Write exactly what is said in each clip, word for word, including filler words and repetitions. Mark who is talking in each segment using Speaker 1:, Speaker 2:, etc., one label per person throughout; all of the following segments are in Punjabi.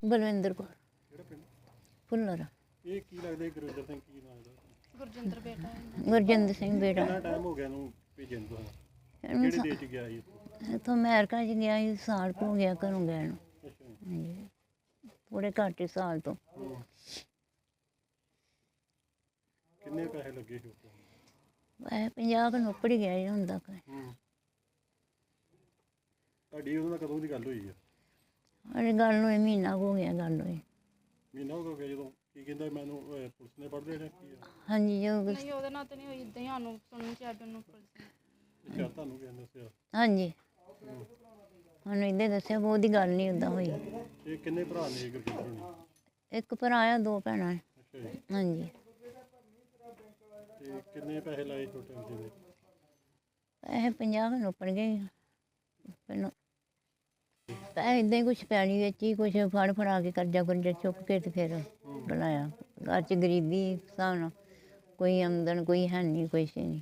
Speaker 1: ਬਲਵਿੰਦਰ ਕੌਰ।
Speaker 2: ਕਿਹੜਾ ਪਿੰਡ?
Speaker 1: ਫੁੱਲਰ।
Speaker 2: ਇਹ ਕੀ ਲੱਗਦਾ ਗੁਰਵਿੰਦਰ ਸਿੰਘ ਕੀ ਨਾਮ ਇਹਦਾ?
Speaker 3: ਗੁਰਜਿੰਦਰ ਬੇਟਾ ਹੈ।
Speaker 1: ਗੁਰਜਿੰਦਰ ਸਿੰਘ ਬੇਟਾ।
Speaker 2: ਕਿੰਨਾ ਟਾਈਮ ਹੋ ਗਿਆ ਇਹਨੂੰ ਭੇਜਣ ਨੂੰ?
Speaker 1: ਇਹਨੂੰ
Speaker 2: ਕਿਹੜੇ ਦੇਸ਼ 'ਚ ਗਿਆ ਸੀ?
Speaker 1: ਇੱਥੋਂ ਅਮਰੀਕਾ 'ਚ ਗਿਆ ਸੀ, ਸਾਲ ਕੁ ਹੋ ਗਿਆ ਘਰੋਂ ਗਿਆ ਨੂੰ।
Speaker 2: ਅੱਛਾ।
Speaker 1: ਹਾਂਜੀ, ਥੋੜ੍ਹੇ ਘੱਟ ਹੀ ਸਾਲ ਤੋਂ।
Speaker 2: ਹੂੰ। ਕਿੰਨੇ ਪੈਸੇ ਲੱਗੇ ਸੀ ਉੱਥੇ?
Speaker 1: ਵੈਸੇ ਪੰਜਾਹ ਕੁ ਨੌਕਰ ਹੀ ਗਿਆ ਜੀ ਹੁਣ ਤੱਕ।
Speaker 2: ਹੂੰ। ਤੁਹਾਡੀ ਉਹਦੇ ਨਾਲ ਕਦੋਂ ਦੀ ਗੱਲ ਹੋਈ ਆ?
Speaker 1: ਅਰੇ ਗੱਲ ਹੋਈ ਮਹੀਨਾ ਕੁ ਹੋ ਗਿਆ ਗੱਲ ਹੋਈ।
Speaker 2: ਮਹੀਨਾ ਹੋ ਗਿਆ ਜਦੋਂ? ਕੀ ਕਹਿੰਦਾ ਮੈਨੂੰ ਅਹ, ਪੁਲਿਸ ਨੇ ਪੜ੍ਹਦੇ ਜਾਂ ਕੀ ਆ?
Speaker 1: ਹਾਂਜੀ ਜੋ
Speaker 3: ਨਹੀਂ ਉਹਦੇ ਨਾਲ ਤਾਂ ਨਹੀਂ ਹੋਈ, ਇਦਾਂ ਹੀ ਸਾਨੂੰ ਸੁਣਨ ਚ ਆਇਆ ਵੀ ਉਹਨੂੰ ਪੁਲਿਸ ਨੇ।
Speaker 2: ਅੱਛਾ, ਤੁਹਾਨੂੰ ਕਿਹਨੇ ਦੱਸਿਆ?
Speaker 1: ਹਾਂਜੀ
Speaker 2: ਹੂੰ।
Speaker 1: ਸਾਨੂੰ ਇੱਦਾਂ ਦੱਸਿਆ, ਬਹੁਤ ਦੀ ਗੱਲ ਨਹੀਂ ਉੱਦਾਂ ਹੋਈ।
Speaker 2: ਇਹ ਕਿੰਨੇ ਭਰਾ ਨੇ ਗੁਰਜਿੰਦਰ ਹੋਣੀ?
Speaker 1: ਇੱਕ ਭਰਾ ਆ, ਦੋ ਭੈਣਾਂ ਨੇ।
Speaker 2: ਅੱਛਾ ਜੀ।
Speaker 1: ਹਾਂਜੀ।
Speaker 2: ਤੇ ਕਿੰਨੇ ਪੈਸੇ ਲਾਏ ਛੋਟੇ ਹੁੰਦੇ ਨੇ?
Speaker 1: ਪੈਸੇ ਪੰਜਾਹ ਕੁ ਨੌਕਰ ਗਏ ਪਹਿਲਾਂ। ਪੈਸੇ ਇੱਦਾਂ ਹੀ ਕੁਛ ਪੈਣੀ ਵਿੱਚ ਹੀ ਕੁਛ ਫੜ ਫੜਾ ਕੇ ਕਰਜ਼ਾ ਕੁਰਜ਼ਾ ਚੁੱਕ ਕੇ ਤੇ ਫਿਰ ਬਣਾਇਆ। ਘਰ 'ਚ ਗਰੀਬੀ ਹਿਸਾਬ ਨਾਲ ਕੋਈ ਆਮਦਨ ਕੋਈ ਹੈ ਨਹੀਂ, ਕੁਛ ਨਹੀਂ।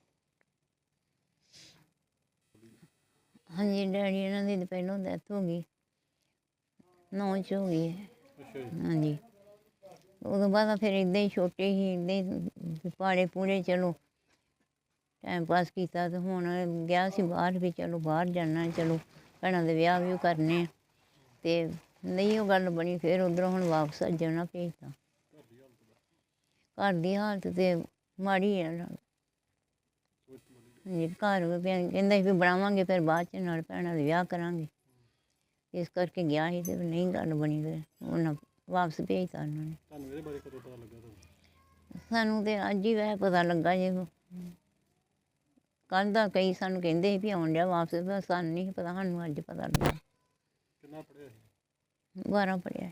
Speaker 1: ਹਾਂਜੀ ਡੈਡੀ ਇਹਨਾਂ ਦੀ ਤਾਂ ਪਹਿਲੋਂ ਡੈਥ ਹੋ ਗਈ, ਨੌਂ 'ਚ ਹੋ ਗਈ ਹੈ।
Speaker 2: ਅੱਛਾ ਜੀ।
Speaker 1: ਹਾਂਜੀ, ਉਦੋਂ ਬਾਅਦ ਫਿਰ ਇੱਦਾਂ ਹੀ ਛੋਟੇ ਸੀ, ਇੱਦਾਂ ਹੀ ਪਾੜੇ ਪੂੜੇ ਚਲੋ ਟਾਈਮ ਪਾਸ ਕੀਤਾ। ਤੇ ਹੁਣ ਗਿਆ ਸੀ ਬਾਹਰ ਵੀ, ਚਲੋ ਬਾਹਰ ਜਾਣਾ, ਚਲੋ ਭੈਣਾਂ ਦੇ ਵਿਆਹ ਵੀ ਕਰਨੇ। ਅਤੇ ਨਹੀਂ ਉਹ ਗੱਲ ਬਣੀ, ਫਿਰ ਉੱਧਰੋਂ ਹੁਣ ਵਾਪਸ ਜਾਣਾ ਭੇਜਤਾ। ਘਰ ਦੀ ਹਾਲਤ ਤਾਂ ਮਾੜੀ ਹੈ। ਹਾਂਜੀ, ਘਰ ਕਹਿੰਦਾ ਸੀ ਵੀ ਬਣਾਵਾਂਗੇ, ਫਿਰ ਬਾਅਦ 'ਚ ਨਾਲ ਭੈਣਾਂ ਦੇ ਵਿਆਹ ਕਰਾਂਗੇ। ਇਸ ਕਰਕੇ ਗਿਆ ਸੀ, ਅਤੇ ਨਹੀਂ ਗੱਲ ਬਣੀ, ਫਿਰ ਉਹਨਾਂ ਵਾਪਸ ਭੇਜਤਾ ਉਹਨਾਂ ਨੇ।
Speaker 2: ਤੁਹਾਨੂੰ ਇਹਦੇ ਬਾਰੇ ਕਦੋਂ ਪਤਾ ਲੱਗਾ ਤੁਹਾਨੂੰ?
Speaker 1: ਸਾਨੂੰ ਤਾਂ ਅੱਜ ਹੀ ਵੈਸੇ ਪਤਾ ਲੱਗਾ ਜੇ। ਕੱਲ੍ਹ ਦਾ ਕਈ ਸਾਨੂੰ ਕਹਿੰਦੇ ਸੀ ਵੀ ਆਉਣ ਡਿਆ ਵਾਪਸ, ਪਰ ਸਾਨੂੰ ਨਹੀਂ ਪਤਾ, ਸਾਨੂੰ ਅੱਜ ਪਤਾ ਲੱਗਾ।
Speaker 2: ਕਿੰਨਾ ਪੜ੍ਹਿਆ ਸੀ?
Speaker 1: ਬਾਰਾਂ ਪੜ੍ਹਿਆ।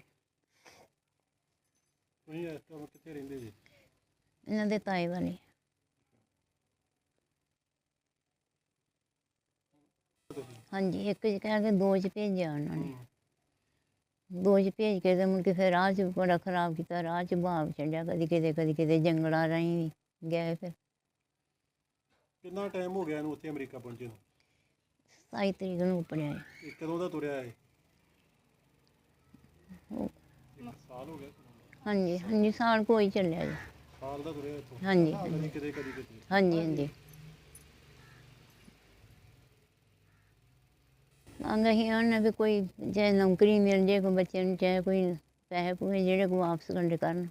Speaker 2: ਤੁਸੀਂ ਇਸ ਟਾਈਮ ਕਿੱਥੇ ਰਹਿੰਦੇ ਜੀ?
Speaker 1: ਇਹਨਾਂ ਦੇ ਤਾਏ ਵਾਲੇ। ਹਾਂਜੀ, ਇੱਕ 'ਚ ਕਹਿ ਕੇ ਦੋ 'ਚ ਭੇਜਿਆ ਉਹਨਾਂ ਨੇ। ਦੋ 'ਚ ਭੇਜ ਕੇ ਤੇ ਮੁੜ ਕੇ ਫਿਰ ਰਾਹ 'ਚ ਬੜਾ ਖਰਾਬ ਕੀਤਾ, ਰਾਹ 'ਚ ਭਾਵ ਛੱਡਿਆ, ਕਦੀ ਕਿਤੇ ਕਦੀ ਕਿਤੇ ਜੰਗਲਾਂ ਰਾਹੀਂ ਵੀ ਗਏ। ਫਿਰ
Speaker 2: ਕਿੰਨਾ ਟਾਈਮ ਹੋ ਗਿਆ ਇਹਨੂੰ ਉੱਥੇ ਅਮਰੀਕਾ ਪਹੁੰਚੇ ਨੂੰ?
Speaker 1: ਸਤਾਈ ਤਰੀਕ ਨੂੰ ਉੱਪੜਿਆ ਹੈ।
Speaker 2: ਇਹ ਕਦੋਂ ਦਾ ਤੁਰਿਆ ਹੈ?
Speaker 1: ਉਹ
Speaker 2: ਇੱਕ ਸਾਲ ਹੋ ਗਿਆ?
Speaker 1: ਹਾਂਜੀ ਹਾਂਜੀ, ਸਾਲ ਕੋਈ ਚੱਲਿਆ ਜੀ।
Speaker 2: ਸਾਲ ਦਾ ਤੁਰਿਆ ਇੱਥੋਂ?
Speaker 1: ਹਾਂਜੀ
Speaker 2: ਕਦੀ ਕਿਤੇ ਕਦੀ ਕਿਤੇ?
Speaker 1: ਹਾਂਜੀ ਹਾਂਜੀ। ਮੰਗ ਅਸੀਂ ਆਉਂਦੇ ਵੀ ਕੋਈ ਚਾਹੇ ਨੌਕਰੀ ਮਿਲ ਜਾਏ ਕੋਈ ਬੱਚੇ ਨੂੰ, ਚਾਹੇ ਕੋਈ ਪੈਸੇ ਪੂਸੇ ਜਿਹੜੇ ਕੋਈ ਵਾਪਸ ਕੰਡੇ ਕਰਨ।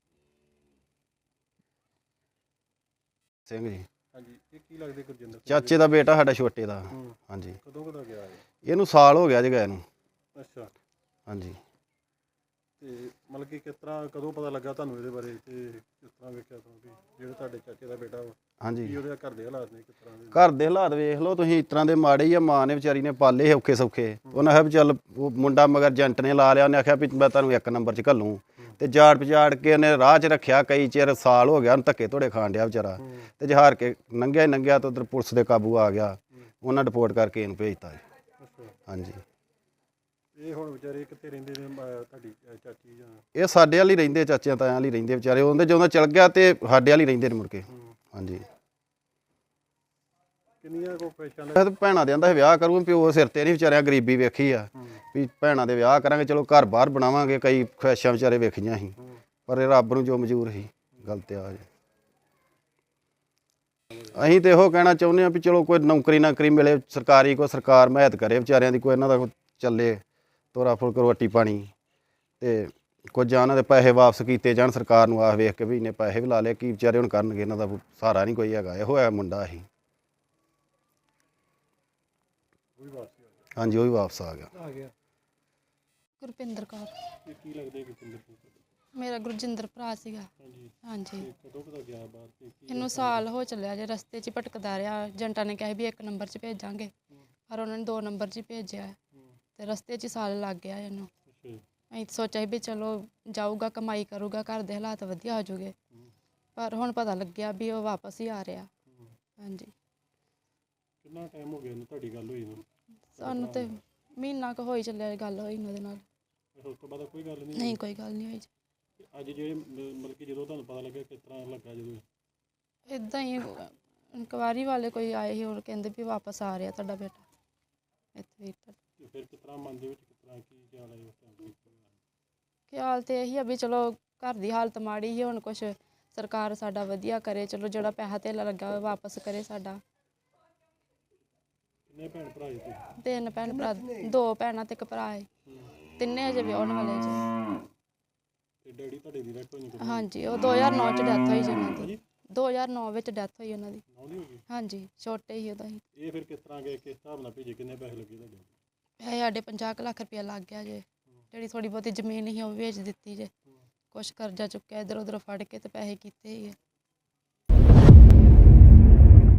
Speaker 4: ਸਿੰਘ ਜੀ।
Speaker 2: ਹਾਂਜੀ, ਇਹ ਕੀ ਲੱਗਦੇ ਗੁਰਜਿੰਦਰ ਸਿੰਘ?
Speaker 4: ਚਾਚੇ ਦਾ ਬੇਟਾ ਸਾਡਾ ਛੋਟੇ ਦਾ।
Speaker 2: ਹੂੰ।
Speaker 4: ਹਾਂਜੀ।
Speaker 2: ਕਦੋਂ ਕਦੋਂ ਗਿਆ ਇਹ?
Speaker 4: ਇਹਨੂੰ ਸਾਲ ਹੋ ਗਿਆ ਜੀ ਗਏ ਨੂੰ।
Speaker 2: ਅੱਛਾ।
Speaker 4: ਹਾਂਜੀ।
Speaker 2: ਤੇ ਮਤਲਬ ਕਿ ਕਿਸ ਤਰ੍ਹਾਂ ਕਦੋਂ ਪਤਾ ਲੱਗਾ ਤੁਹਾਨੂੰ ਇਹਦੇ ਬਾਰੇ, ਤੇ ਕਿਸ ਤਰ੍ਹਾਂ ਵੇਖਿਆ ਤੁਹਾਨੂੰ ਵੀ ਜਿਹੜਾ ਤੁਹਾਡੇ ਚਾਚੇ ਦਾ ਬੇਟਾ ਵਾ,
Speaker 4: ਹਾਂਜੀ,
Speaker 2: ਕੀ ਉਹਦੇ ਘਰ ਦੇ ਹਾਲਾਤ ਨੇ, ਕਿਸ ਤਰ੍ਹਾਂ ਦੇ?
Speaker 4: ਘਰ ਦੇ ਹਾਲਾਤ ਵੇਖ ਲਓ ਤੁਸੀਂ, ਇਸ ਤਰ੍ਹਾਂ ਦੇ ਮਾੜੇ ਹੀ ਆ। ਮਾਂ ਨੇ ਵਿਚਾਰੀ ਨੇ ਪਾਲੇ ਔਖੇ ਸੌਖੇ। ਉਹਨੇ ਆਖਿਆ ਵੀ ਚੱਲ, ਉਹ ਮੁੰਡਾ ਮਗਰ ਏਜੰਟ ਨੇ ਲਾ ਲਿਆ, ਉਹਨੇ ਆਖਿਆ ਵੀ ਮੈਂ ਤੁਹਾਨੂੰ ਇੱਕ ਨੰਬਰ 'ਚ ਘੱਲੂੰ। ਤੇ ਜਾੜ ਪਜਾੜ ਕੇ ਉਹਨੇ ਰਾਹ 'ਚ ਰੱਖਿਆ ਕਈ ਚਿਰ, ਸਾਲ ਹੋ ਗਿਆ ਉਹਨੂੰ ਧੱਕੇ ਧੋੜੇ ਖਾਣ ਡਿਆ ਵਿਚਾਰਾ। ਤੇ ਜਹਾਰ ਕੇ ਲੰਘਿਆ ਹੀ ਲੰਘਿਆ ਤਾਂ ਉੱਧਰ ਪੁਲਿਸ ਦੇ ਕਾਬੂ ਆ ਗਿਆ, ਉਹਨਾਂ ਰਿਪੋਰਟ ਕਰਕੇ ਇਹਨੂੰ ਭੇਜਤਾ ਜੀ।
Speaker 2: ਅੱਛਾ।
Speaker 4: ਹਾਂਜੀ।
Speaker 2: ਇਹ ਹੁਣ ਵਿਚਾਰੇ ਕਿੱਥੇ ਰਹਿੰਦੇ ਨੇ, ਅਹ ਤੁਹਾਡੀ ਅਹ ਚਾਚੀ ਜਾਂ?
Speaker 4: ਇਹ ਸਾਡੇ ਵਾਲੀ ਰਹਿੰਦੇ, ਚਾਚਿਆਂ ਤਾਇਆਂ ਵਾਲੀ ਰਹਿੰਦੇ ਵਿਚਾਰੇ। ਉਹਦੇ ਜਦੋਂ ਚਲ ਗਿਆ ਤੇ ਸਾਡੇ ਵਾਲੀ ਰਹਿੰਦੇ ਨੇ ਮੁੜ ਕੇ। ਹਾਂਜੀ।
Speaker 2: ਕਿੰਨੀਆਂ ਕੋ ਪੈਸਾ
Speaker 4: ਤੇ ਭੈਣਾਂ ਦੇ ਆਂਦਾ ਵਿਆਹ ਕਰੂੰ, ਪਿਓ ਸਿਰ ਤੇ ਨਹੀਂ ਵਿਚਾਰਿਆਂ ਗਰੀਬੀ ਵੇਖੀ ਆ ਵੀ ਭੈਣਾਂ ਦੇ ਵਿਆਹ ਕਰਾਂਗੇ, ਚਲੋ ਘਰ ਬਾਹਰ ਬਣਾਵਾਂਗੇ, ਕਈ ਖੁਆਇਸ਼ਾਂ ਵਿਚਾਰੇ ਵੇਖੀਆਂ ਸੀ, ਪਰ ਇਹ ਰੱਬ ਨੂੰ ਜੋ ਮਨਜ਼ੂਰ ਸੀ ਗਲਤ ਆ ਜੀ। ਅਸੀਂ ਤੇ ਇਹੋ ਕਹਿਣਾ ਚਾਹੁੰਦੇ ਹਾਂ ਵੀ ਚਲੋ ਕੋਈ ਨੌਕਰੀ ਨਾਕਰੀ ਮਿਲੇ ਸਰਕਾਰੀ, ਕੋਈ ਸਰਕਾਰ ਮਹਿਤ ਕਰੇ ਵਿਚਾਰਿਆਂ ਦੀ, ਕੋਈ ਇਹਨਾਂ ਦਾ ਚੱਲੇ ਤੋਰਾ ਫੁਲਕ ਰੋਟੀ ਪਾਣੀ, ਤੇ ਕੁਝ ਇਹਨਾਂ ਦੇ ਪੈਸੇ ਵਾਪਸ ਕੀਤੇ ਜਾਣ। ਸਰਕਾਰ ਨੂੰ ਆਖ ਵੇਖ ਕੇ ਵੀ ਇੰਨੇ ਪੈਸੇ ਵੀ ਲਾ ਲਏ, ਕੀ ਵਿਚਾਰੇ ਹੁਣ ਕਰਨਗੇ, ਇਹਨਾਂ ਦਾ ਸਹਾਰਾ ਨਹੀਂ ਕੋਈ ਹੈਗਾ। ਇਹੋ ਹੈ ਮੁੰਡਾ ਅਸੀਂ। ਹਾਂਜੀ, ਉਹ ਵੀ ਵਾਪਸ ਆ ਗਿਆ।
Speaker 2: ਆ ਗਿਆ।
Speaker 3: ਗੁਰਪਿੰਦਰ ਕੌਰ।
Speaker 2: ਇਹ ਕੀ ਲੱਗਦੇ ਗੁਰਜਿੰਦਰ ਸਿੰਘ?
Speaker 3: ਮੇਰਾ ਗੁਰਜਿੰਦਰ ਭਰਾ ਸੀਗਾ।
Speaker 2: ਹਾਂਜੀ।
Speaker 3: ਹਾਂਜੀ।
Speaker 2: ਤੇ ਕਦੋਂ ਕਦੋਂ ਗਿਆ ਬਾਹਰ ਤੇ ਕੀ?
Speaker 3: ਇਹਨੂੰ ਸਾਲ ਹੋ ਚੱਲਿਆ ਜੇ, ਰਸਤੇ 'ਚ ਭਟਕਦਾ ਰਿਹਾ। ਏਜੰਟਾਂ ਨੇ ਕਿਹਾ ਵੀ ਇੱਕ ਨੰਬਰ 'ਚ ਭੇਜਾਂਗੇ, ਪਰ ਉਹਨਾਂ ਨੇ ਦੋ ਨੰਬਰ 'ਚ ਹੀ ਭੇਜਿਆ। ਤੇ ਰਸਤੇ 'ਚ ਹੀ ਸਾਲ ਲੱਗ ਗਿਆ ਇਹਨੂੰ।
Speaker 2: ਅੱਛਾ ਜੀ।
Speaker 3: ਅਸੀਂ ਸੋਚਿਆ ਸੀ ਵੀ ਚਲੋ ਜਾਊਗਾ, ਕਮਾਈ ਕਰੂਗਾ, ਘਰ ਦੇ ਹਾਲਾਤ ਵਧੀਆ ਹੋ ਜੂਗੇ, ਪਰ ਹੁਣ ਪਤਾ ਲੱਗਿਆ ਵੀ ਉਹ ਵਾਪਸ ਹੀ ਆ ਰਿਹਾ। ਹਾਂਜੀ।
Speaker 2: ਕਿੰਨਾ ਟਾਈਮ ਹੋ ਗਿਆ ਇਹਨੂੰ ਤੁਹਾਡੀ ਗੱਲ ਹੋਈ ਨੂੰ?
Speaker 3: ਸਾਨੂੰ ਤੇ ਮਹੀਨਾ ਕੁ ਹੋਈ ਚੱਲਿਆ ਗੱਲ ਹੋਈ ਉਹਦੇ ਨਾਲ।
Speaker 2: ਉਸ ਤੋਂ ਬਾਅਦ ਕੋਈ ਗੱਲ ਨਹੀਂ?
Speaker 3: ਨਹੀਂ, ਕੋਈ ਗੱਲ ਨਹੀਂ ਹੋਈ।
Speaker 2: ਅੱਜ ਜਿਹੜੇ ਮਤਲਬ ਕਿ ਜਦੋਂ ਤੁਹਾਨੂੰ ਪਤਾ ਲੱਗਿਆ, ਕਿਸ ਤਰ੍ਹਾਂ ਲੱਗਾ ਜਦੋਂ?
Speaker 3: ਇੱਦਾਂ ਹੀ ਇਨਕੁਆਇਰੀ ਵਾਲੇ ਕੋਈ ਆਏ ਸੀ, ਉਹ ਕਹਿੰਦੇ ਵੀ ਵਾਪਸ ਆ ਰਿਹਾ ਤੁਹਾਡਾ ਬੇਟਾ ਇੱਥੇ। ਵੀ
Speaker 2: ਫਿਰ ਕਿਸ ਤਰ੍ਹਾਂ ਮਨ ਦੇ ਵਿੱਚ ਕਿਸ ਤਰ੍ਹਾਂ ਕੀ ਖਿਆਲ ਆਇਆ ਉਸ ਟਾਈਮ?
Speaker 3: ਖਿਆਲ ਤੇ ਇਹੀ ਆ ਵੀ ਚਲੋ ਘਰ ਦੀ ਹਾਲਤ ਮਾੜੀ ਸੀ, ਹੁਣ ਕੁਛ ਸਰਕਾਰ ਸਾਡਾ ਵਧੀਆ ਕਰੇ, ਚਲੋ ਜਿਹੜਾ ਪੈਸਾ ਧੇਲਾ ਲੱਗਾ ਉਹ ਵਾਪਸ ਕਰੇ ਸਾਡਾ।
Speaker 2: ਕਿੰਨੇ ਭੈਣ ਭਰਾ ਜੀ ਤੁਸੀਂ?
Speaker 3: ਤਿੰਨ ਭੈਣ ਭਰਾ, ਦੋ ਭੈਣਾਂ ਤੇ ਇੱਕ ਭਰਾ ਹੈ, ਤਿੰਨੇ ਅਜੇ ਵਿਆਹੁਣ ਵਾਲੇ ਜੀ।
Speaker 2: ਤੇ ਡੈਡੀ ਤੁਹਾਡੇ ਦੀ ਡੈਥ ਹੋਈ ਕਦੋਂ?
Speaker 3: ਹਾਂਜੀ, ਉਹ ਦੋ ਹਜ਼ਾਰ ਨੌ ਚ ਡੈਥ ਹੋਈ ਜੀ ਉਹਨਾਂ ਦੀ। ਦੋ ਹਜ਼ਾਰ ਨੌ ਵਿੱਚ ਡੈਥ ਹੋਈ ਉਹਨਾਂ ਦੀ।
Speaker 2: ਨੌਂ ਦੀ ਹੋ ਗਈ।
Speaker 3: ਹਾਂਜੀ, ਛੋਟੇ ਹੀ ਉਦੋਂ ਹੀ।
Speaker 2: ਇਹ ਫਿਰ ਕਿਸ ਤਰ੍ਹਾਂ ਗਏ, ਕਿਸ ਹਿਸਾਬ ਨਾਲ ਭੇਜੇ, ਕਿੰਨੇ ਪੈਸੇ ਲੱਗੇ ਤੁਹਾਡੇ?
Speaker 3: ਪੈਸੇ ਸਾਡੇ ਪੰਜਾਹ ਕੁ ਲੱਖ ਰੁਪਇਆ ਲੱਗ ਗਿਆ ਜੇ। ਜਿਹੜੀ ਥੋੜੀ ਬਹੁਤੀ ਜ਼ਮੀਨ ਸੀ ਉਹ ਵੇਚ ਦਿੱਤੀ ਜੇ। ਕੁਛ ਕਰਜ਼ਾ ਚੁੱਕਿਆ ਇੱਧਰ ਉੱਧਰ ਫੜ ਕੇ ਤੇ ਪੈਸੇ ਕੀਤੇ ਹੀ ਆ।